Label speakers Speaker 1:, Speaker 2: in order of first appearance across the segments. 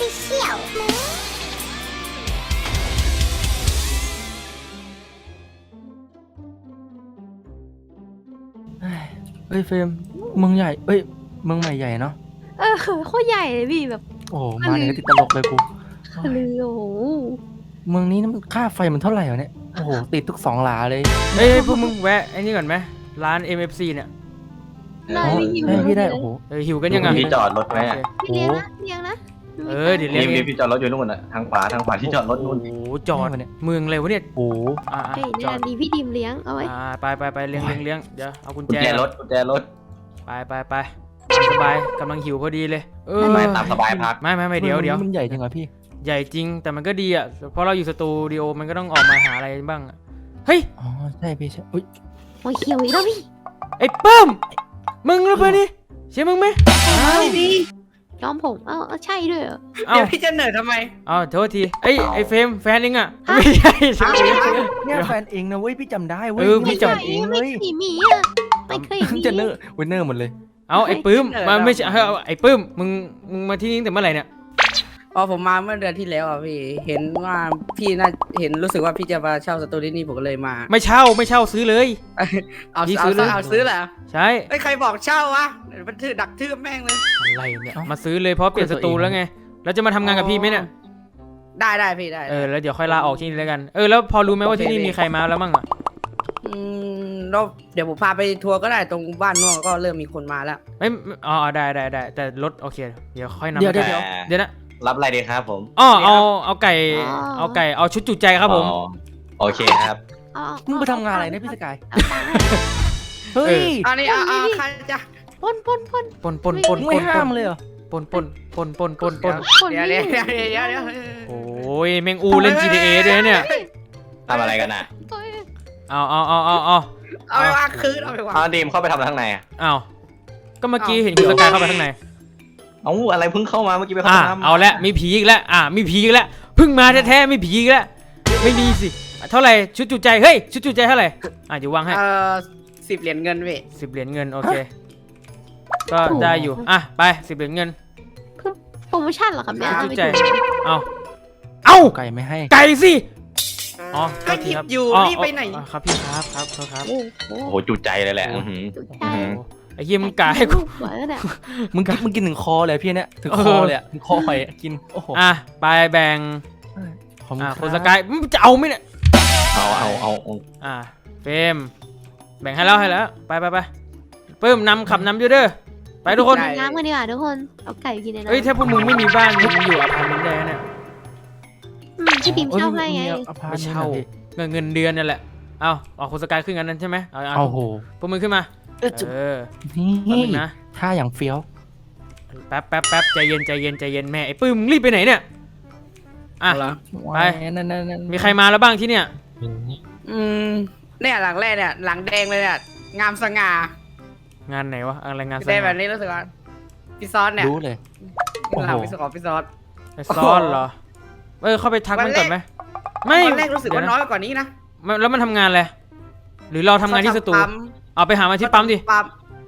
Speaker 1: Official
Speaker 2: เฮ้ยเฟรมเมืองใหญ่เอ้ยเมืองใหม่ใหญ่เนาะ
Speaker 3: โคตรใหญ่เลยพี่แบบ
Speaker 2: โอ้โหมาเนี่ยก็ติดตลกเลยกู
Speaker 3: ลือโอ้โห
Speaker 2: เมืองนี้มันค่าไฟมันเท่าไหร่วะเนี่ยโอ้โหติดทุกสองหลาเลย
Speaker 4: เฮ้ยพวกมึงแวะไอ้นี่ก่อนไหมร้าน MFC เนี่ย
Speaker 3: ได้พี่หิว
Speaker 2: ได้พี่ได้โอ้โห
Speaker 4: หิวกันยังไง
Speaker 5: ที่จอดรถไหมอะ
Speaker 3: พี่เลี้ยงนะเลี้ยงนะ
Speaker 4: เดี๋ยวเรียก
Speaker 5: รีบที่จอดรถอยู่นู่นน่ะทางขวาที่จอดรถนู่น
Speaker 4: โอ้โหจอดเมืองเลยวะเนี่ย
Speaker 2: โอ้โห
Speaker 3: เฮ้ย
Speaker 4: จ
Speaker 3: เนี่
Speaker 4: อย ด
Speaker 3: ดีพี่ดิมเลี้ยงเอาไว้
Speaker 4: ไปเลี้ยงเดี๋ยวเอากุญ
Speaker 5: กุญ
Speaker 4: แจ
Speaker 5: แจรถ
Speaker 4: ไปสบายกำลังหิวพอดีเลย
Speaker 5: ไม่ตามสบายพัก
Speaker 4: ไม่เดี๋ยว
Speaker 2: มันใหญ่จริงเหรอพี่
Speaker 4: ใหญ่จริงแต่มันก็ดีอ่ะเพราะเราอยู่สตูดิโอมันก็ต้องออกมาหาอะไรบ้างเฮ้ย
Speaker 2: อ๋อใช่พี่ใช่อุ้ย
Speaker 3: โอ้ยเขียวอีกแล้วพี่
Speaker 4: ไอ้เปิ้มมึงหรือเปล่านี่ใช่มึงไหม
Speaker 3: พี่ยอมผมใช่ด้วยเหรอ
Speaker 4: เอ้า
Speaker 6: เดี๋ยวพี่จะเหนื่อยทำไม
Speaker 4: โทษทีไอ้เฟรมแฟนเองอ่ะไม่ใช่ใช่ไหม
Speaker 2: เนี่ยแฟนเองนะเว้ยพี่จำได้เว้ย
Speaker 4: พี่จำ
Speaker 2: เองเล
Speaker 3: ไม่
Speaker 2: ย
Speaker 3: เคยมีอ่ะไม่เคยมี
Speaker 2: จะเนอร์วินเนอร์หมดเลย
Speaker 4: เอาไอ้ปื้มมาไม่ใช่ไอ้ปื้มมึงมาที่นี่ตั้งแต่เมื่อไหร่เนี่ย
Speaker 6: อ๋อผมมาเมื่อเดือนที่แล้วอ่ะพี่ เห็นว่าพี่น่าเห็นรู้สึกว่าพี่จะมาเช่าสตูที่นี่ผมก็เลยมา
Speaker 4: ไม่เช่าซื้อเลย
Speaker 6: เอา
Speaker 4: พี่
Speaker 6: เอา
Speaker 4: ซื้อเลย
Speaker 6: เอาซื้อแหละ
Speaker 4: ใช่
Speaker 6: ไอ้ยใครบอกเช่าวะเดี๋ยวมันถือดักทืบแม่งเลย
Speaker 4: อะไรเนี่ยมาซื้อเลยเพราะเปลี่ยนสตูแล้วไงแล้วจะมาทำงานกับพี่ไหมเนี่ย
Speaker 6: ได้พี่ได้
Speaker 4: แล้วเดี๋ยวค่อยลาออกที่นี่แล้วกันแล้วพอรู้ไหมว่าที่นี่มีใครมาแล้วมั่งอ่ะ
Speaker 6: แล้วเดี๋ยวผมพาไปทัวร์ก็ได้ตรงบ้านนอกก็เริ่มมีคนมาแล้ว
Speaker 4: ไม่ได้แต่รถโอเคเดี๋ยวค่อยนำ
Speaker 2: เดี๋ยว
Speaker 4: เดี๋ยวนะ
Speaker 5: รับอะไรดีครับผม
Speaker 4: เอาไก่เอาชุดจุใจครับผม
Speaker 5: อ๋อโอเคครับ
Speaker 2: มึงไปทำงานอะไรเนี่ยพี่สกาย
Speaker 3: เอาตังค์
Speaker 2: เฮ้ย
Speaker 6: อันนี้ใครจะ
Speaker 3: ปน
Speaker 2: มึงไม่ห้ามเลยเหรอ
Speaker 4: ปน
Speaker 3: คน
Speaker 6: เดี๋ยว
Speaker 3: นี้
Speaker 4: โอ้ยแมงอูเล่น GTA ด้วยนะเนี่ย
Speaker 5: ทำอะไรกันน่ะ
Speaker 4: เอา
Speaker 6: เอาไปวางคืนเอาไปวาง
Speaker 5: ดีมเข้าไปทำทางไหนอะ
Speaker 4: เอาก็เมื่อกี้เห็นคุณสกายเข้าไปข้างใน
Speaker 5: เอาอะไรเพิ่งเข้ามาเมื่อกี้ไปเข้าน้ำ
Speaker 4: เอาละมีผีอีกแล้วมีผีอีกแล้วเพิ่งมาแท้ๆมีผีอีกแล้วไม่มีสิเท่าไหร่ชุดจุใจเฮ้ยชุดจุใจเท่าไหร่เดี๋ยววางให้
Speaker 6: 10 เหรียญเงินพี่
Speaker 4: 10 เหรียญเงินโอเคก็ได้อยู่ไป10 เหรียญเงิน
Speaker 3: โปรโมชั่นเหรอครับเนี่ย
Speaker 4: ชุดจุใจเอา
Speaker 2: ไก่ไม่ให้
Speaker 4: ไก่สิโท
Speaker 6: ก็
Speaker 4: ษ
Speaker 6: ห
Speaker 4: ที
Speaker 6: ยิบ
Speaker 4: ครับ
Speaker 6: อยู่รีบไปไหน
Speaker 4: ครับพี่ครับโทษครับ
Speaker 3: โอ้โห
Speaker 5: โอ้โหจุใจเลยแหละ
Speaker 3: จุดใจ
Speaker 4: ไอ้เหี้ยมึงกาให้กู
Speaker 3: หัวแล้วเนี่ย
Speaker 2: มึงกินถึงคอเลยพี่เนี่ยถึงคอเลยถึงคอหอยกินโอ้โห
Speaker 4: ไปแบ่ง
Speaker 2: ขอบณ
Speaker 4: คนสกายมึงจะเอาไหมเนี่ย
Speaker 5: เอา
Speaker 4: เฟรมแบ่งให้แล้วไปปื้มขับนำอยู่เด้อไปทุกคน
Speaker 3: น้ำกันดีกว่าทุกคนเอาไก่กินในน้ำ
Speaker 4: เอ้ยถ้าพวกมึงไม่มีบ้านมึงอยู่อพาร์ตเมนต์ได้เนี่ย
Speaker 3: พี่ดิมเช่าให้ไง
Speaker 4: ไม่เช่าเงินเดือนนั่นแหละเอาคนสกายขึ้นกันนั้นใช่ไหม
Speaker 2: โอ้โห
Speaker 4: พวกมึงขึ้นมา
Speaker 2: นี่
Speaker 4: นะ
Speaker 2: ท่าอย่างเฟี้ยว
Speaker 4: แป๊บใจเย็นแม่ไอ้ปื้มมึงรีบไปไหนเนี่ยไปมีใครมาแล้วบ้างที่เนี่ย
Speaker 6: เนี่ยหลังแรกเนี่ยหลังแดงเลยเนี่ยงามสง่าง
Speaker 4: านไหนวะอะไรงาน
Speaker 6: ได้แบบนี้รู้สึกว่าพี่ซอสเนี่ย
Speaker 2: รู้เลย
Speaker 6: หลังพี่ซอส
Speaker 4: ไอ้ซ้อนเหรอเข้าไปทักมันก่อนไหมไม่
Speaker 6: ตอนแรกรู้สึกว่าน้อยกว่านี้นะ
Speaker 4: แล้วมันทำงานอะไรหรือเราทำงานที่สตูเอาไปหามาที่ปั๊มดิ
Speaker 6: ปั๊ม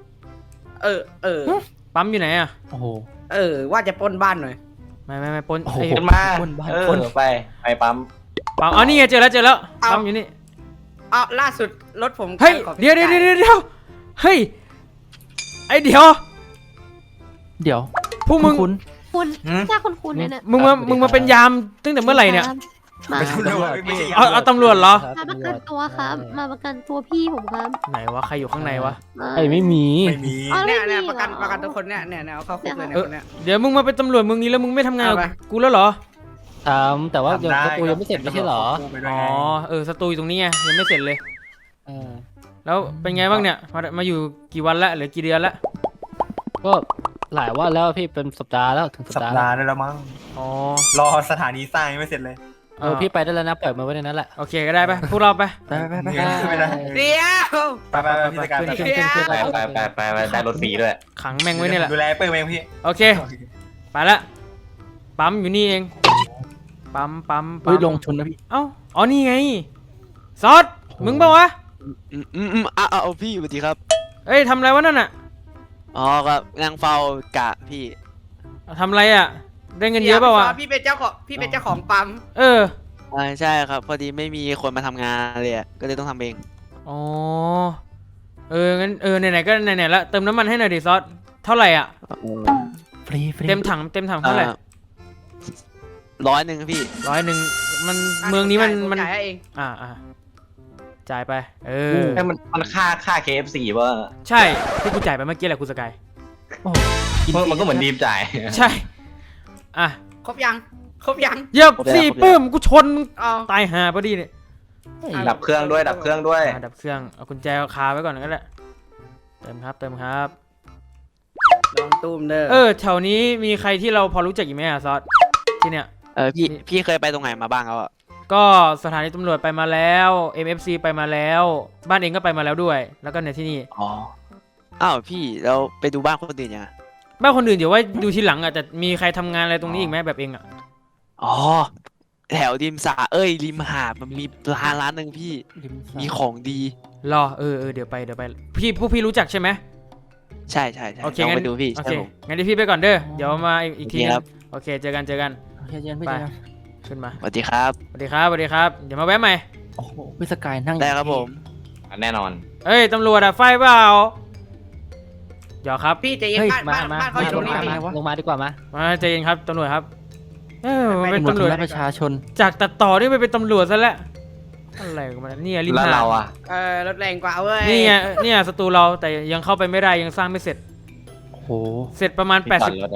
Speaker 4: ปั๊มอยู่ไหนอ่ะ
Speaker 2: โอ้โห
Speaker 6: ว่าจะปล้นบ้านหน่อย
Speaker 4: ไม่ปน
Speaker 2: โอ้โห
Speaker 5: ขึ้นมาไปปั๊ม
Speaker 4: นี่ไงเจอแล้วปั๊มอยู่นี่
Speaker 6: ล่าสุดรถผม
Speaker 4: เฮ้ยเดี๋ยวเฮ้ยไอเดี๋ยวพวกมึง
Speaker 3: คุณถ้าคุณเนี่ย
Speaker 4: มึงมาเป็นยามตั้งแต่เมื่อไหร่เนี่ย
Speaker 3: มา
Speaker 4: เอาตำรวจเหรอ
Speaker 3: ประกันตัวครับมาประกันตัวพี่ผมครับ
Speaker 4: ไหนวะใครอยู่ข้างในวะ
Speaker 2: ไอ้ไม่มี
Speaker 6: เนี่ยประกันตัวคนเนี่ยเอาเข้าคุกเลยเนี่ยคนเนี่ย
Speaker 4: เดี๋ยวมึงมาเป็นตำรวจมึงนี้แล้วมึงไม่ทำงานกับกูแล้วเหรอ
Speaker 2: แต่ว่ายังประตูยังไม่เสร็จไม่ใช่เหรอ
Speaker 4: สตูอยู่ตรงนี้ไงยังไม่เสร็จเลยแล้วเป็นไงบ้างเนี่ยมาอยู่กี่วันละหรือกี่เดือนละ
Speaker 2: ก็หลายวันแล้วพี่เป็นสัปดาห์แล้วถึงสั
Speaker 7: สั
Speaker 2: ป
Speaker 7: ป
Speaker 2: ดาห์
Speaker 7: ดาห์ได้แล้วมั้ง รอสถานีสร้างยังไม่เสร็จเลย
Speaker 2: พี่ไปได้แล้วนะปล่อยมาไว้ในนั้นแหละ
Speaker 4: โอเคก็ได้ไปพวกเราไป
Speaker 7: ไม่ได้
Speaker 6: เดี๋ยว
Speaker 7: ไปพี่สกาย
Speaker 5: ไปได้รถฟรีด้วย
Speaker 4: ขังแม่งไว้นี่แหละ
Speaker 7: ดูแลเปิ้ลเองพี่
Speaker 4: โอเคไปละปั๊มอยู่นี่เองปั๊ม
Speaker 2: เฮ้ยลงชนนะพี่
Speaker 4: นี่ไงซอสมึงเปล่าวะ
Speaker 8: เอาพี่สวัสดีครับ
Speaker 4: เอ้ยทำอะไรวะนั่นอ่ะ
Speaker 8: อ๋อครับนางเฝ้ากะพี่
Speaker 4: ทำอะไรอ่ะได้เงินเยอะเปล่าวะ
Speaker 6: พี่เป็นเจ้าของปั๊ม
Speaker 4: เออ
Speaker 8: ใช่ครับ พอดีไม่มีคนมาทำงานเลยอะก็เลยต้องทำเอง
Speaker 4: อ๋องั้นไหนๆก็ไหนๆละเติมน้ำมันให้หน่อยดิซอสเท่าไหร่อ่ะ
Speaker 2: ฟรี
Speaker 4: เต็มถังเท่าไหร่
Speaker 8: 100พี่
Speaker 4: 100มันเมืองนี้มัน
Speaker 6: จ่ายให้เอง
Speaker 4: จ่ายไป
Speaker 5: ไอ้มันค่า KFC ป่ะ
Speaker 4: ใช่ที่กูจ่ายไปเมื่อกี้แหละคุณสกาย
Speaker 2: โอ้โหกิฟรี
Speaker 5: มันก็เหมือนดีมจ่าย
Speaker 4: ใช่อ่ะ
Speaker 6: ครบยัง
Speaker 4: เหยียบสี่ปื้มกูชนมึง
Speaker 6: เอา
Speaker 4: ตายห่าพอดีเนี่ย
Speaker 5: ดับเครื่องด้วย
Speaker 4: ดับเครื่องเอากุญแจคาไว้ก่อนก็ได้เติมครับ
Speaker 6: ลองตุ้มเด้อ
Speaker 4: แถวนี้มีใครที่เราพอรู้จักอีกไหมอะซอสที่เนี่ย
Speaker 8: พี่เคยไปตรงไหนมาบ้างครับอะ
Speaker 4: ก็สถานีตำรวจไปมาแล้ว MFC ไปมาแล้ว บ้านเองก็ไปมาแล้วด้วย แล้วก็ในที่นี่
Speaker 8: อ๋ออ้าวพี่เราไปดูบ้านคนอื่นยังอะ
Speaker 4: บ้านคนอื่นเดี๋ยวว่าดูทีหลังอ่ะแต่มีใครทำงานอะไรตรงนี้อีกไหมแบบเองอ่ะ
Speaker 8: อ๋อแถวริมสระริมหาดมันมีร้านหนึ่งพี่ มีของดี
Speaker 4: รอเดี๋ยวไปพวกพี่รู้จักใช่ไหม
Speaker 8: ใช่
Speaker 4: โอเค
Speaker 8: ลอง
Speaker 4: งั้
Speaker 8: ไป
Speaker 4: น
Speaker 8: ดูพี่
Speaker 4: โอ
Speaker 8: ใช่
Speaker 4: เค
Speaker 8: ผม
Speaker 4: งั้นเดี๋ยวพี่ไปก่อนเด้อเดี๋ยวมาอีกที
Speaker 8: โอเคครับ
Speaker 4: โอเคเจอกัน
Speaker 2: โอเคเจนพี่
Speaker 4: ไป
Speaker 2: เจน
Speaker 4: ขึ้นมา
Speaker 8: สวัสดีครับ
Speaker 4: สวัสดีครับเดี๋ยวมาแวะใหม่
Speaker 2: โอ้โหพี่สกายนั่ง
Speaker 8: ได้ครับผม
Speaker 5: แน่นอน
Speaker 4: เอ้ยตำรวจอะไฟเปล่าเดี๋ยวครับ
Speaker 6: พี่ใจเย็นบ้านเขาอยู่ตรงนี้พี่
Speaker 2: ลงมาดีกว่ามา
Speaker 4: มาใจเย็นครับตำรวจครับมัน
Speaker 2: เป็
Speaker 4: เป็น น
Speaker 2: ตำ
Speaker 4: ตำ
Speaker 2: ร
Speaker 4: ร
Speaker 2: ว
Speaker 4: ว
Speaker 2: จ
Speaker 4: จ
Speaker 2: ประชาชน
Speaker 4: จากตัดต่อนี่ไปเป็นตำรวจซะแล้วอะไรกันมาเนี่ยริม
Speaker 5: แล้ว
Speaker 4: หาด
Speaker 5: เราอ่ะ
Speaker 6: รถแรงกว่าเว้ย
Speaker 4: นี่ไงเนี่ยศัตรูเราแต่ยังเข้าไปไม่ได้ยังสร้างไม่เสร็จ
Speaker 2: โอ้โห
Speaker 4: เสร็จประมาณ
Speaker 5: ที่จอดรถอะ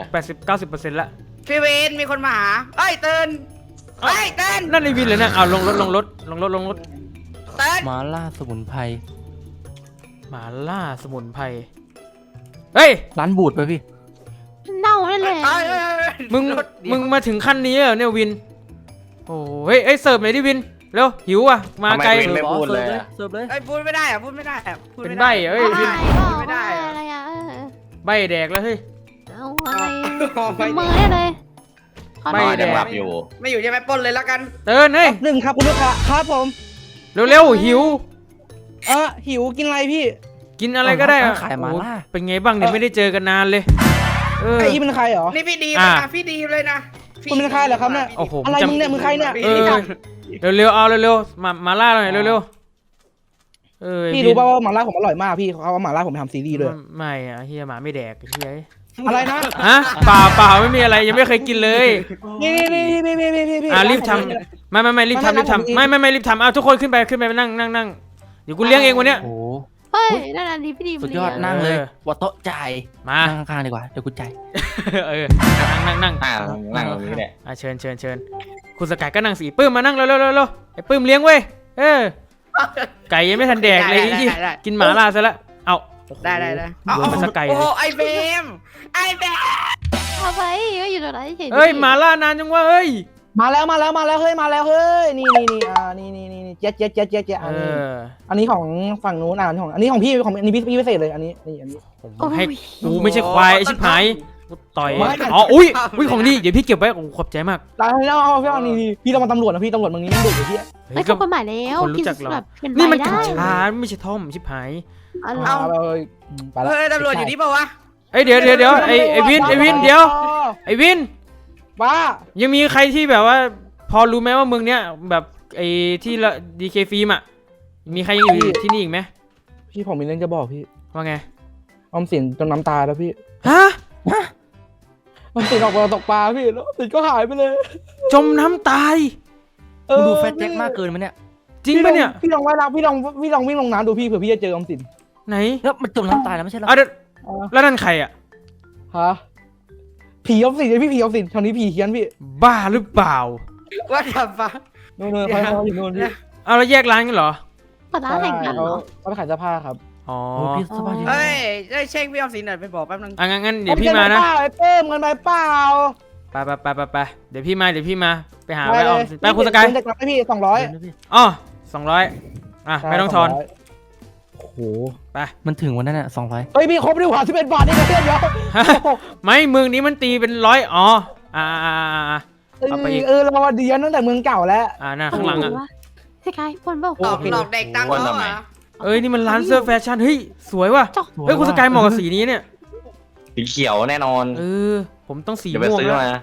Speaker 4: 90 ละ
Speaker 6: พี่เวนมีคนมาหาเอ้ยเตือนเฮ้ยเตือน
Speaker 4: นั่นในวินเลยนะเอาลงรถ
Speaker 6: เตือน
Speaker 2: หมาล่าสมุนไพร
Speaker 4: หมาล่าสมุนไพรเฮ้ย
Speaker 2: ร้านบูดไปพี่
Speaker 3: เน่านั่นแหละ
Speaker 4: มึงมาถึงขั้นนี้เหรอเนี่ยวินโอ้เฮ้ยเสิร์ฟหน่อยดิวินเร็วหิวอ่ะมาไกล
Speaker 5: ทำไมวินไม่พูดเลยอะ
Speaker 2: เสิร์ฟเลย
Speaker 6: เอ้ยพูดไม่ได้อะพูดไม่ได้
Speaker 4: เป็นใบ้เอ้ย
Speaker 3: อะไร
Speaker 6: ไม่ได้
Speaker 3: อะไรอะ
Speaker 4: ใบแดกแล้วเฮ้ย
Speaker 3: เอาอะไร
Speaker 6: ไม่
Speaker 3: มือได้เลยขอ
Speaker 4: ไม่
Speaker 3: หน่อย
Speaker 4: แด
Speaker 5: ยัง
Speaker 4: ก
Speaker 5: หลับอยู่
Speaker 6: ไม่อยู่ใช่ไหมปล้นเลยแล้วกัน
Speaker 4: เตือนเฮ้ย
Speaker 1: หนึ่งครับคุณลูกค้าครับผม
Speaker 4: เร็วหิว
Speaker 1: หิวกินอะไรพี่
Speaker 4: กินอะไรก็ได้อะ
Speaker 2: ขายหมาล่า
Speaker 4: โอ้เป็นไงบ้างเนี่ยไม่ได้เจอกันนานเลย
Speaker 1: ไอ้อีเป็นใครเหรอ
Speaker 6: นี่พี่ดีเลยนะพี่ดีเลยนะ
Speaker 1: คุณเป็นใครเหรอครับเนี่ย
Speaker 4: โอ้โห
Speaker 1: อะไรมึงเนี่ยมึงใครเนี่ย
Speaker 4: เร็วเอาเร็วมาล่าหน่อยเร็ว
Speaker 1: พี่รู้ป่าวว่าหม่าล่าผมอร่อยมากพี่เขาเอาหม่าล่าผมไปทำซีรีส์ด้วย
Speaker 4: ไม่อะเฮียหมาไม่แดกเฮีย
Speaker 1: อะไรนะ
Speaker 4: ฮะเปล่าไม่มีอะไรยังไม่เคยกินเลย
Speaker 1: นี่พี่
Speaker 4: รีบทำไม่รีบทำไม่รีบทำเอาทุกคนขึ้นไปนั่งเดี๋ยวกูเลี้ยงเองวันเนี้ย
Speaker 2: โอ้โห
Speaker 3: เฮ้ยนั่นอันนี้พี่ดี
Speaker 2: สุดยอด
Speaker 3: เลี้ง
Speaker 2: นั่งเลย
Speaker 4: เออ
Speaker 2: วัดโต๊ะจ่าย
Speaker 4: มา
Speaker 2: นั่งข้างๆดีกว่าเดี๋ยวกูจ่าย
Speaker 4: นั่ง
Speaker 5: นั่งตรงนี้แหละ
Speaker 4: เชิญคุณสกายก็นั่งสีปื้มมานั่งเร็วไอ้ปื้มเลี้ยงเว้ยไก่ยังไม่ทันแดกเลยกินหมาล่าซะแล้วเอา
Speaker 6: ได้
Speaker 4: โดนไปสักไก่เล
Speaker 6: โอ้
Speaker 4: ย
Speaker 6: ไอเบม
Speaker 3: เอาไปก็อยู่ตรงนั้นเฉยๆ
Speaker 4: เฮ้ยหมาล่านานจังวะเฮ้ย
Speaker 1: มาแล้วเฮ้ยนี่เจ๊อันนี้ของฝั่งนู้นอันนี้ของพี่อันนี้พี่พิเศษเลยอันนี้
Speaker 4: ผมให้กูไม่ใช่ควายไอ้ชิบหายกูต่อยอ๋ออุ้ยของดีเดี๋ยวพี่เก็บไว้ขอบใจมาก
Speaker 1: แล้วเอาพี่พี่ต้องมาตำรวจนะพี่ตำรวจมึงนี่มันดุอยู่พี่
Speaker 3: เฮ้ยเขากฎหมายแล้ว
Speaker 4: คนรู้จักเรา
Speaker 3: แบบเป็น
Speaker 4: นี่มัน
Speaker 3: ใบ
Speaker 4: กัญ
Speaker 3: ได้
Speaker 4: ชาไม่ใช่ท่อมชิบหาย
Speaker 3: อะไร
Speaker 1: เอาไปละ
Speaker 6: เฮ้ยตำรวจอยู่นี่เปล่าวะ
Speaker 4: เอ้ยเดี๋ยวไอ้วินเดี๋ยวไอ้วิน
Speaker 1: ว่า
Speaker 4: ยังมีใครที่แบบว่า พอรู้ไหมว่าเมืองเนี้ยแบบไอ้ที่ละดีเคฟิล์มอ่ะมีใครยังอยู่ที่นี่อีกไหม
Speaker 1: พี่ผมมีเรื่องจะบอกพี่
Speaker 4: ว่าไง
Speaker 1: ออมสินจนน้ำตาแล้วพี่
Speaker 4: ฮะ
Speaker 1: ออมสินออกมาตกปลาพี่แล้วออมสินก็หายไปเลย
Speaker 4: จมน้ำตาย
Speaker 2: มึงดูแฟตแจ็คมากเกินมั้ยเนี่ย
Speaker 4: จริงปะเนี่ย
Speaker 1: พี่ลองว่ายน้ำพี่ลองวิ่งลงน้ำดูพี่เผื่อพี่จะเจอออมสิน
Speaker 4: ไหน
Speaker 2: แล้วมันจมน้ำตายแล้วไม่ใช่เหรอ
Speaker 4: เดี๋ยวแล้วนั่นใครอ่ะ
Speaker 1: ฮะผีออมสินเลยพี่ผีออมสินตอนนี้ผีเฮี้ยนพี่
Speaker 4: บ้าหรือเปล่า
Speaker 6: ว่าทำปะ
Speaker 1: โน่นเขาอยู่โน่นพี่
Speaker 4: เอาแล้วแยกร้านกันเหรอ
Speaker 3: เปิดร้านแต่งกันเหรอ
Speaker 1: เขาไปขายเสื้อผ้าครับ
Speaker 4: อ๋อ
Speaker 2: โอ้พี่สบายดี
Speaker 6: เฮ้ยได้เช็คพี่ออมสินหน่อยไปบอกแป๊บนึง
Speaker 4: งั้นเดี๋ยวพี่มานะ
Speaker 1: ไอ้เป้มกันไปเปล่า
Speaker 4: ไปเดี๋ยวพี่มาไปหาไปออมสินไปคุณสกาย
Speaker 1: เด็กรับให้พี่200
Speaker 4: อ๋อ200ไม่ต้องทอน
Speaker 1: โอ้โห
Speaker 2: มันถึงวันนั้นอ่ะ200
Speaker 1: เฮ้ยพี่ครบดีกว่า11 บาทนี่นะเพื่อนเดี๋ยว
Speaker 4: ไม่เมืองนี้มันตีเป็น100อ๋อเอาไปอีก
Speaker 1: เราเดียนตั้งแต่เมืองเก่าแล้ว
Speaker 4: น่าข้างหลังอ่ะ
Speaker 3: สกายปนเปล่า
Speaker 6: หลอกเด็กตังค์เขาเหรอ
Speaker 4: เอ้ยนี่มันร้านเสื้อแฟชั่นเฮ้ยสวยว่ะ
Speaker 3: จอก
Speaker 4: เฮ้ยคุณสกายเหมาะกับสีนี้เนี่ย
Speaker 5: สีเขียวแน่นอน
Speaker 4: ผมต้องสี
Speaker 5: เดี๋ยวไป
Speaker 4: ม่วง
Speaker 5: ซื้อ
Speaker 4: แล้ว
Speaker 5: มา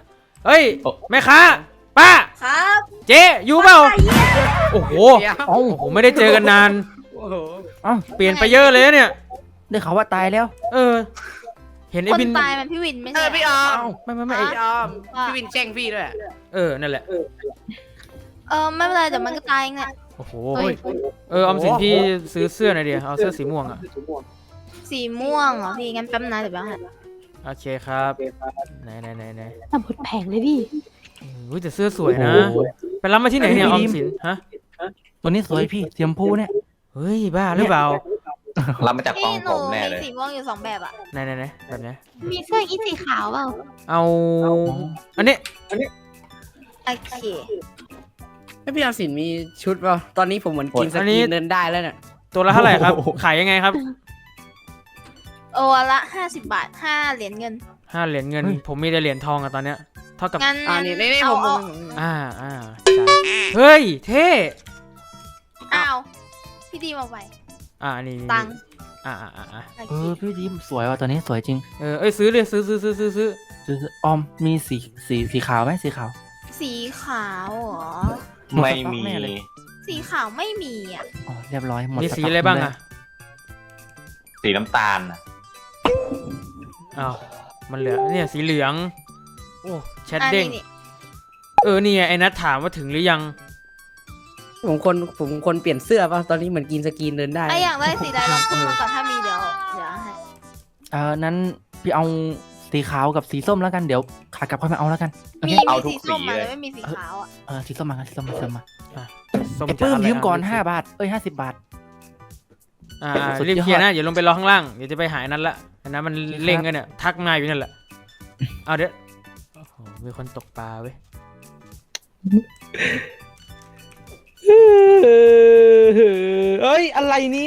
Speaker 4: เอ้ยแม่ค้าป้า
Speaker 3: ครับ
Speaker 4: เจ๊อยู่เปล่าโอ้โห
Speaker 6: เดี๋ยว
Speaker 2: เอ้า
Speaker 4: ผมไม่ได้เจอกันนาน
Speaker 6: โอ้โห
Speaker 2: เอ้า
Speaker 4: เปลี่ยนไปเยอะเลยนะเนี่ย
Speaker 2: ได้ข่าวว่าตายแล้ว
Speaker 4: เออ เห็นไอ้
Speaker 3: คน
Speaker 4: บิน
Speaker 3: ตายมันพี่วินไม่
Speaker 6: เอ
Speaker 3: ใช่
Speaker 6: อพี่ออม
Speaker 4: ไม่ไอ้
Speaker 6: พี่ออมพี่วินแจ้งพี่ด้วย
Speaker 4: นั่นแหละ
Speaker 3: ไม่เป็นไรเดี๋ยวมันก็ตายเองแหละ
Speaker 4: โอ้โห
Speaker 3: เฮ้ย
Speaker 4: ออมสินพี่ซื้อเสื้อหน่อยดิเอาเสื้อสีม่วงอ่ะ
Speaker 3: สีม่วงเหรอพี่งั้นแป๊บนะเดี๋ยวแป๊บนะ
Speaker 4: โอเคครับไหน
Speaker 3: แต่หมดแผงเลยดิ
Speaker 4: อุ้ยแต่เสื้อสวยนะไปรับมาที่ไหนเนี่ยออมสินฮะ
Speaker 2: ตัวนี้สวยพี่เสียมพูเนี่ย
Speaker 4: เฮ้ยบ้าหรือเปล่า
Speaker 5: รับมาจากกอง
Speaker 3: พี่ห
Speaker 5: ผ
Speaker 3: นู
Speaker 5: มแน่
Speaker 3: มี
Speaker 5: เลย
Speaker 3: สีม่วงอยู่2แบบอ่ะ
Speaker 4: ไหนแบบไหน
Speaker 3: มีเสื้ออีสีขาวเปล่า
Speaker 4: เอาอันนี้
Speaker 3: โอเค
Speaker 6: ให้พี่ออมสินมีชุดเปล่าตอนนี้ผมเหมือนกินสกีนเดินได้แล้วเนี่ย
Speaker 4: ตัวละเท่าไหร่ครับขายยังไงครับ
Speaker 3: โอ้ละ50 บาท5 เหรียญเงิน
Speaker 4: 5 เหรียญเงิน ผมมีแต่เหรียญทองอะตอนเนี้ยเท่ากับ
Speaker 3: งั้น
Speaker 6: นี่
Speaker 3: เอา
Speaker 6: ผม
Speaker 4: อ่าจ้ะเฮ้ยเท่
Speaker 3: เอาพี่ดีมาไว้
Speaker 4: นี่
Speaker 3: ตังค์
Speaker 4: อ่า
Speaker 3: โอ
Speaker 2: เอ
Speaker 3: เค
Speaker 2: อพี่ดิมสวยว่ะตัวนี้สวยจริง
Speaker 4: เอ้ยซื้อเลยซื้อ
Speaker 2: ซื้อออมมีสีขาวไหมสีขาว
Speaker 3: สีขาวเหรอ
Speaker 5: ไม่มี
Speaker 2: แน่เลย
Speaker 3: สีขาวไม่มีอ่ะ
Speaker 2: อ๋อเรียบร้อยหมด
Speaker 4: มี
Speaker 2: ส
Speaker 4: สี
Speaker 2: ต็ก
Speaker 4: อะไรบ้าง
Speaker 2: เลย
Speaker 4: อะ
Speaker 5: สีน้ำตาลน่ะ
Speaker 4: อ้าวมันเหลือเนี่ยสีเหลืองโอ้แชท
Speaker 3: อัน
Speaker 4: เด้ง
Speaker 3: นี้
Speaker 4: นี่ไงไอ้นัทถามว่าถึงหรือยัง
Speaker 6: ผมคนเปลี่ยนเสื้อป่ะตอนนี้เหมือนกินสกีนเดินได้
Speaker 3: ไออยากได้สีใดลองพูดมาก่อนถ้ามีเดี๋ยวให้
Speaker 2: นั้นพี่เอาสีขาวกับสีส้มแล้วกันเดี๋ยวขากลับค่อยมาเอาแล้วกันโอเค
Speaker 3: มีสีส้มมาเลยไม่มีสีขาวอ่ะ
Speaker 2: สีส้มมากันสีส้มมา
Speaker 4: ส้ม
Speaker 2: ไอ้
Speaker 4: จะ
Speaker 2: ปื้ม
Speaker 4: อะไร
Speaker 2: ยืมก่อน
Speaker 4: ะ
Speaker 2: 5 บาท50 บาท สุดยอด
Speaker 4: รีบเคลียร์นะอย่าลงไปรอข้างล่างเดี๋ยวจะไปหาไอ้นั้นละไอ้นั้นมันเล่งกันเนี่ยทักมาอยู่นั่นแหละเอาเดี๋ยวโอ้โหมีคนตกปลาเว้ย
Speaker 1: เอ้ยอะไรเนี่ย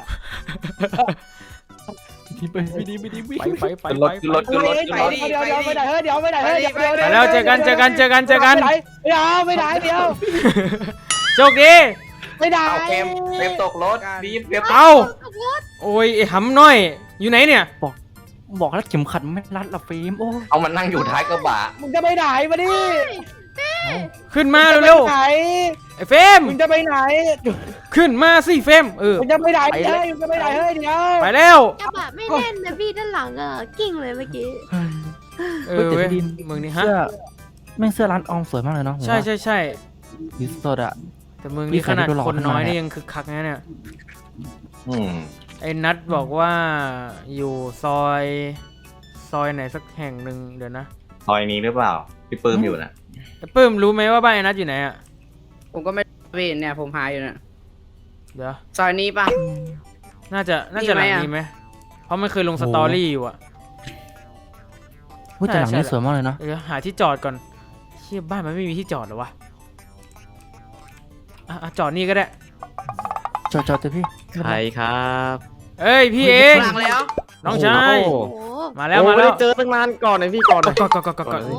Speaker 4: ไป
Speaker 5: ขึ้นรถขึ้นรถ
Speaker 1: เฮ้ยไปเดี๋ยวไม่ได้เฮ้ยเดี๋ยวไม่ได้เฮ้ยเดี๋ยว
Speaker 4: ไปแล้วเจอกัน
Speaker 1: ไม่ได้เดี๋ยว
Speaker 4: โชคดี
Speaker 1: ไม่ได้
Speaker 5: เอาเฟรมตกรถบีบเฟรม
Speaker 4: เอาโอ้ยไอ้หำน้อยอยู่ไหนเนี่ย
Speaker 2: บอกแล้วเข็มขัดไม่รัดละฟิล์มโอ้
Speaker 5: เอามันนั่งอยู่ท้ายกระบะ
Speaker 1: มึงจะไปไหนมาดิ
Speaker 4: ขึ้นมาเร็ว
Speaker 1: ไหน
Speaker 4: ๆไอ้เฟรม
Speaker 1: มึงจะไปไหน
Speaker 4: ขึ้นมาสิเฟรม
Speaker 1: มึงจะไปไหนเฮ้ยมึงจะไปไหนเฮ้ยเดี๋ยว
Speaker 4: ไปแล้ว
Speaker 3: กระบะไม่แน่นนะพี่ด้านหลังอ่ะกิ่งเลยเมื่อกี้
Speaker 2: แต่
Speaker 4: เว้ย
Speaker 2: พี่ดิม
Speaker 4: มึงนี่ฮะ
Speaker 2: เสื้อแม่งเสื้อร้านออมสวยมากเลยเนาะผม
Speaker 4: ใช่
Speaker 2: ว่า
Speaker 4: ใช่ใช่
Speaker 2: สีสดอะ
Speaker 4: แต่มึง
Speaker 2: พี่
Speaker 4: นี่ขนาด
Speaker 2: ใครดูหล่อ
Speaker 4: คนน้อย
Speaker 2: ขนาด
Speaker 4: นี่
Speaker 2: นั้น
Speaker 4: ยังคึกคักนะเนี่ย
Speaker 5: อืม
Speaker 4: ไอ้นัทบอกว่าอยู่ซอยไหนสักแห่งหนึ่งเดี๋ยวนะ
Speaker 5: ซอยนี้หรือเปล่าพี่ปื้มอยู่นะ
Speaker 4: ไอ้ปื้มรู้ไหมว่าบ้านไอ้นัทอยู่ไหนอ่ะ
Speaker 6: ผมก็ไม่พี่เนี่ยผมหาอยู่เนี่ย
Speaker 4: เดี๋ยว
Speaker 6: ซอยนี้ป่ะ
Speaker 4: น่าจะหลัง
Speaker 6: มีไหมอะ
Speaker 4: นี้ไหมเพราะมันเคยลงสตอรี่อยู่อ่ะ
Speaker 2: พูดแต่หลัง
Speaker 4: ใช่
Speaker 2: นี้สวยมากเลยเนาะ
Speaker 4: เดี๋ยวหาที่จอดก่อนเชี่ยบ้านมันไม่มีที่จอดเหรอวะจอดนี่ก็ได้
Speaker 2: จอดเถอะพี่
Speaker 8: ใครครับ
Speaker 4: เอ้ยพี่เอง
Speaker 6: หลังแล้ว
Speaker 4: น้องชาย
Speaker 3: โอ้โห
Speaker 4: มาแล้วมาแล้ว
Speaker 8: เจอตั้งนานก่อนเลยพี่ก่อน
Speaker 4: ก่อน
Speaker 3: โอ้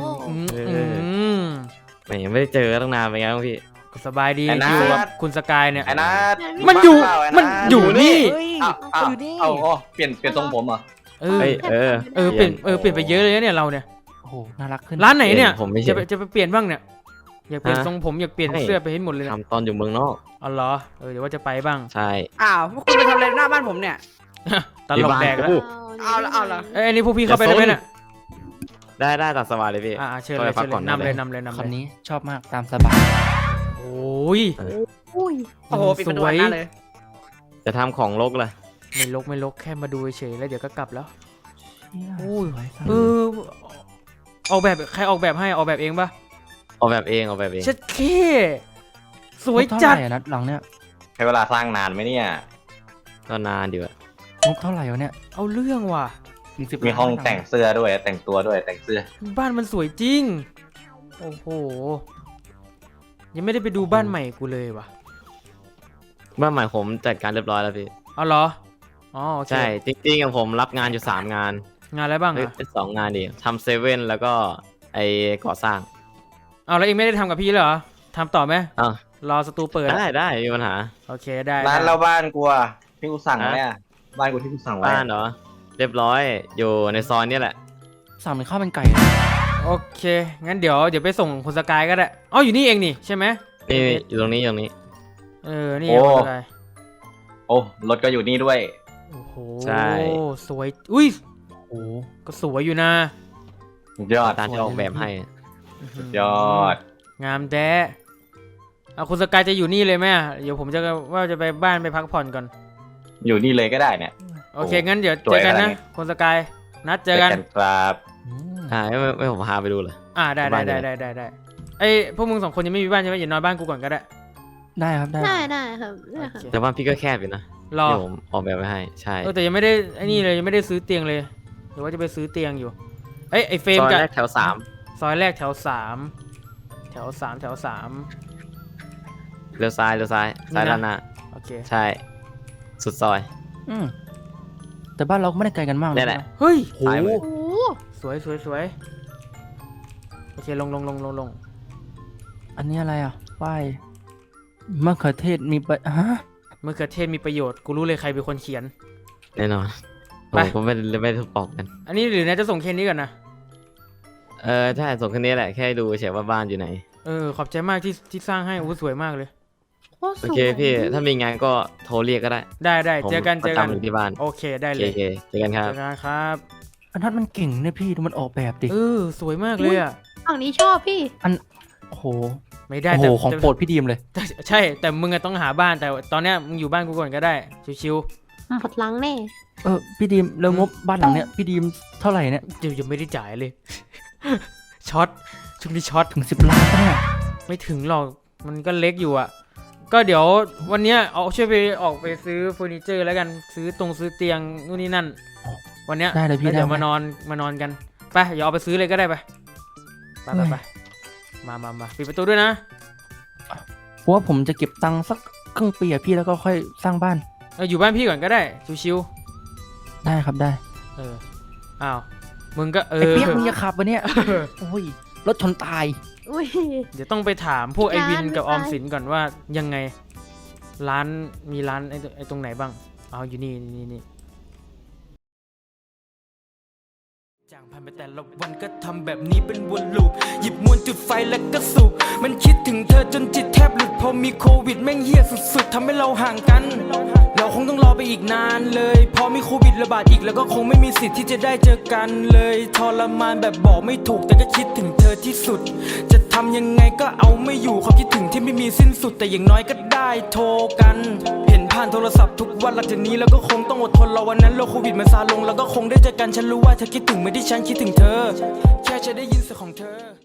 Speaker 8: ไม่ยังไม่ได้เจอตั้งนานเป็นไงบ้างพี่
Speaker 4: สบายดี
Speaker 5: ไอ้นัท
Speaker 4: อยู่กับคุณสกายเนี่ย
Speaker 5: ไอ้นัท
Speaker 4: มันอยู่
Speaker 5: บ้าเปล่าไ
Speaker 4: มันอยู่นี่
Speaker 5: อ้าวเปลี่ยนทรงผมเหรอ
Speaker 4: เออ
Speaker 8: เฮ้ย
Speaker 4: เปลี่ยนไปเยอะเลยนะเนี่ยเราเนี่ย
Speaker 2: โอ้โหน่ารักขึ้น
Speaker 4: ร้านไหนเนี่ย
Speaker 8: ผมไม่
Speaker 4: จะ
Speaker 8: ใช่
Speaker 4: ไปเปลี่ยนบ้างเนี่ยอยากเปลี่ยน
Speaker 8: ฮะ
Speaker 4: ทรงผมอยากเปลี่ยน
Speaker 8: ไม่
Speaker 4: เสื้อไปให้หมดเลยนะ
Speaker 8: ทำตอนอยู่เมืองนอก
Speaker 4: อ๋อเหรอเดี๋ยวว่าจะไปบ้าง
Speaker 8: ใช่
Speaker 6: อ้าวพวกคุณไปทำอะไรหน้าบ้านผมเนี่ย
Speaker 4: ตลกแดกแล้ว
Speaker 6: เอาละ
Speaker 4: เอ้ยอันนี้พวกพี่เข้าไปได้ไหมเนี่ย
Speaker 8: ได้ตัดสบายเลยพี่
Speaker 4: เชิญเลย
Speaker 8: เข้าไปพัก
Speaker 4: เชิญ
Speaker 8: ก่อน
Speaker 4: นำเลย
Speaker 8: ได้
Speaker 4: นำเลยนำ
Speaker 2: คำ
Speaker 4: เลย
Speaker 2: นี้ชอบมากตามสบาย
Speaker 4: โอ้ย
Speaker 3: อุ้ย
Speaker 6: โอ้โหปิดประตูหน้าเลย
Speaker 8: จะทำของลกเลย
Speaker 4: ไม่ลกแค่มาดูเฉยๆแล้วเดี๋ยวก็กลับแล้ว
Speaker 2: โอ้ยสวยจัง
Speaker 4: ออกแบบใครออกแบบให้ออกแบบเองปะ
Speaker 8: ออกแบบเอง
Speaker 4: เช็ดเคสวย
Speaker 2: งบ
Speaker 4: จั
Speaker 2: เท่า
Speaker 4: ด
Speaker 2: ไหร่อะนัดหลังเนี่ย
Speaker 5: ใช้เวลาสร้างนานไหมเนี่ย
Speaker 8: ก็นานอยู่อะ
Speaker 2: งบเท่าไหร่วะเนี่ย
Speaker 4: เอาเรื่องว่ะ
Speaker 2: ถึง10
Speaker 5: มีห้อง
Speaker 2: ล้าน
Speaker 5: แต่งเสื้อด้วยแต่งตัวด้วยแต่งเสื้อ
Speaker 4: บ้านมันสวยจริงโอ้โหยังไม่ได้ไปดูบ้านใหม่กูเลยว่ะ
Speaker 8: บ้านใหม่ผมจัดการเรียบร้อยแล้วพี่
Speaker 4: เอาเหรออ๋อโอเค
Speaker 8: ใช่ จริงๆผมรับงานอยู่3งาน
Speaker 4: งานอะไรบ้าง
Speaker 8: เฮ้ย
Speaker 4: อ่ะ
Speaker 8: เป็น2งานดิทำเซเว่นแล้วก็ไอก่อสร้าง
Speaker 4: เอาแล้วเองไม่ได้ทำกับพี่เลยเหรอทำต่อไหม
Speaker 8: อ้าว
Speaker 4: รอสตูเปิด
Speaker 8: ได้ไม่มีปัญหา
Speaker 4: โอเคได้
Speaker 5: ร้าน
Speaker 4: ได้
Speaker 5: เราบ้านกูอะที่กูสั่งไว้อะบ้านกูที่กูสั่งไว้
Speaker 8: บ้านเหรอ เรียบร้อยอยู่ในซอยนี่แหละ
Speaker 2: สั่งเป็นข้าวมันไก่นะ
Speaker 4: โอเค งั้นเดี๋ยวไปส่งคุณสกายก็ได้อ๋ออยู่นี่เองนี่ใช่ไหม
Speaker 9: นี่อยู่ตรงนี้อยู่ตรงนี้
Speaker 4: นี่เองคุณสกาย
Speaker 5: โอ้รถก็อยู่นี่ด้วย
Speaker 4: โอ้โห
Speaker 9: ใช่
Speaker 4: สวยอุ้ย
Speaker 2: โอ้
Speaker 4: ก็สวยอยู่นะ
Speaker 5: ยอด
Speaker 9: ตามที่ออกแบบให้
Speaker 5: ยอด
Speaker 4: งามแด้เอาคุณสกายจะอยู่นี่เลยไหมอะเดี๋ยวผมจะว่าจะไปบ้านไปพักผ่อนก่อน
Speaker 5: อยู่นี่เลยก็ได้เนี่ย
Speaker 4: โอเค งั้นเดี๋ยว
Speaker 5: ส
Speaker 4: เจ
Speaker 5: วย
Speaker 4: อกัน
Speaker 5: ขนาด
Speaker 4: นะ
Speaker 5: นี้
Speaker 4: คุณสกายนัดเจอกัน
Speaker 5: ครับ
Speaker 9: ไม่ผมพาไปดูเลย
Speaker 4: ได้
Speaker 9: บ้านอยู่ไหน
Speaker 4: ได้ไอ้พวกมึง2 คนยังไม่มีบ้านใช่ไหมอย่านอนบ้านกูก่อนก็ได้
Speaker 2: ได้ครับได้
Speaker 3: ได้ครับได้ครับ
Speaker 4: โอเค
Speaker 9: แต่ว่าพี่ก็แคบอยู่นะ
Speaker 4: รอ
Speaker 9: ที่ผมออกแบบไว้ให้ใช่
Speaker 4: แต่ยังไม่ได้ไอ้นี่เลยยังไม่ได้ซื้อเตียงเลยหรือว่าจะไปซื้อเตียงอยู่ไอ้เฟรม
Speaker 9: ซอย
Speaker 4: กับ
Speaker 9: แรกแถวสาม
Speaker 4: ซอยแรกแถว 3 แถว
Speaker 9: เลี้ยวซ้ายซ้ายด้านหน้า
Speaker 4: โอเค
Speaker 9: ใช่ สุดซอย
Speaker 2: อืมแต่บ้านเราก็ไม่ได้ไกลกันมาก
Speaker 9: นี่แหละ
Speaker 4: เฮ้ย
Speaker 9: ซ้ายมือ
Speaker 3: โอ้
Speaker 4: สวยโอเคลง
Speaker 2: อันนี้อะไรอ่ะป้ายมะเขือเทศมีฮะ
Speaker 4: มะเขือเทศมีประโยชน์กูรู้เลยใครเป็นคนเขียน
Speaker 9: แน่นอน
Speaker 4: ไป
Speaker 9: ผมก็ไม่ได้บอกกัน
Speaker 4: อันนี้หรือนายจะส่งแค่นี้ก่อนนะ
Speaker 9: ใช่ส่งแค่นี้แหละแค่ดูเฉยว่าบ้านอยู่ไหน
Speaker 4: ขอบใจมากที่สร้างให้สวยมากเลย
Speaker 3: โหส
Speaker 9: โอ
Speaker 3: วย
Speaker 9: เคพี่ถ้ามีงานก็โทรเรียกก็ได้
Speaker 4: ได้
Speaker 9: ผม
Speaker 4: เจอกัน
Speaker 9: ประจำอยู่ที่บ้าน
Speaker 4: โอเคได้
Speaker 9: โอ
Speaker 4: เลย
Speaker 9: เคเจอกันครับ
Speaker 4: เจอกันครับ
Speaker 2: อันนั้นมันเก่งเนี่ยพี่ดูมันออกแบบดิ
Speaker 4: สวยมากเลยอ่ะ
Speaker 3: ฝั่งนี้ชอบพี่
Speaker 2: โอ้โห
Speaker 4: ไม่ได้
Speaker 2: โอ้โห
Speaker 4: แต่
Speaker 2: ของโปรดพี่ดีมเลย
Speaker 4: ใช่แต่มึงอะต้องหาบ้านแต่ตอนเนี้ยมึงอยู่บ้านกูก่อนก็ได้ชิว
Speaker 3: หมดหลังแน่
Speaker 2: พี่ดีมแล้วงบบ้านหลังเนี้ยพี่ดีมเท่าไหร่เนี่ย
Speaker 4: ๆเดี๋ยวยังไม่ได้จ่ายเลย ช็อตช่วงนี้ช็อต
Speaker 2: ถึง10 ล้านปะเนี่ย
Speaker 4: ไม่ถึงหรอกมันก็เล็กอยู่อ่ะก็เดี๋ยววันเนี้ยเอาช่วยไปออกไปซื้อเฟอร์นิเจอร์แล้วกันซื้อเตียงนู่นนี่นั่นวันเนี้ย
Speaker 2: ได้เลยพี่
Speaker 4: แล้วเดี๋ยว
Speaker 2: ได้
Speaker 4: มานอนกันไปเดี๋ยวเอาไปซื้อเลยก็ได้ไปมาปิดประตูด้วยนะ
Speaker 2: เพราะว่าผมจะเก็บตังค์สักครึ่งปีอะพี่แล้วก็ค่อยสร้างบ้าน
Speaker 4: อยู่บ้านพี่ก่อนก็ได้ชิว
Speaker 2: ได้ครับได้
Speaker 4: ๆอ้าวมึงก็
Speaker 2: ไอ้เปียกมึงอย่าขับวะเนี่ยโอ้ยรถชนตาย
Speaker 3: อุ้ย
Speaker 4: เดี๋ยวต้องไปถามพวกไอวินกับอ
Speaker 3: ร้า
Speaker 4: อน มสินก่อนว่ายังไงมีร้านไอตรงไหนบ้างเอาอยู่นี่จางผ่านไปแต่ละวันก็ทำแบบนี้เป็นวนลูปหยิบมวนจุดไฟแล้วก็สูบมันคิดถึงเธอจนจิตแทบหลุดพอมีโควิดแม่งเหี้ยสุดๆทำให้เราห่างกันเราคงต้องรอไปอีกนานเลยพอมีโควิดระบาดอีกแล้วก็คงไม่มีสิทธิ์ที่จะได้เจอกันเลยทรมานแบบบอกไม่ถูกแต่ก็คิดถึงเธอที่สุดจะทำยังไงก็เอาไม่อยู่ความคิดถึงที่ไม่มีสิ้นสุดแต่อย่างน้อยก็ได้โทรกันเห็นผ่านโทรศัพท์ทุกวันหลังจากนี้แล้วก็คงต้องอดทนรอวันนั้นโรคโควิดมันซาลงแล้วก็คงได้เจอกันฉันรู้ว่าเธอคิดถึงเหมือนที่ฉันคิดถึงเธอแค่จะได้ยินเสียงของเธอ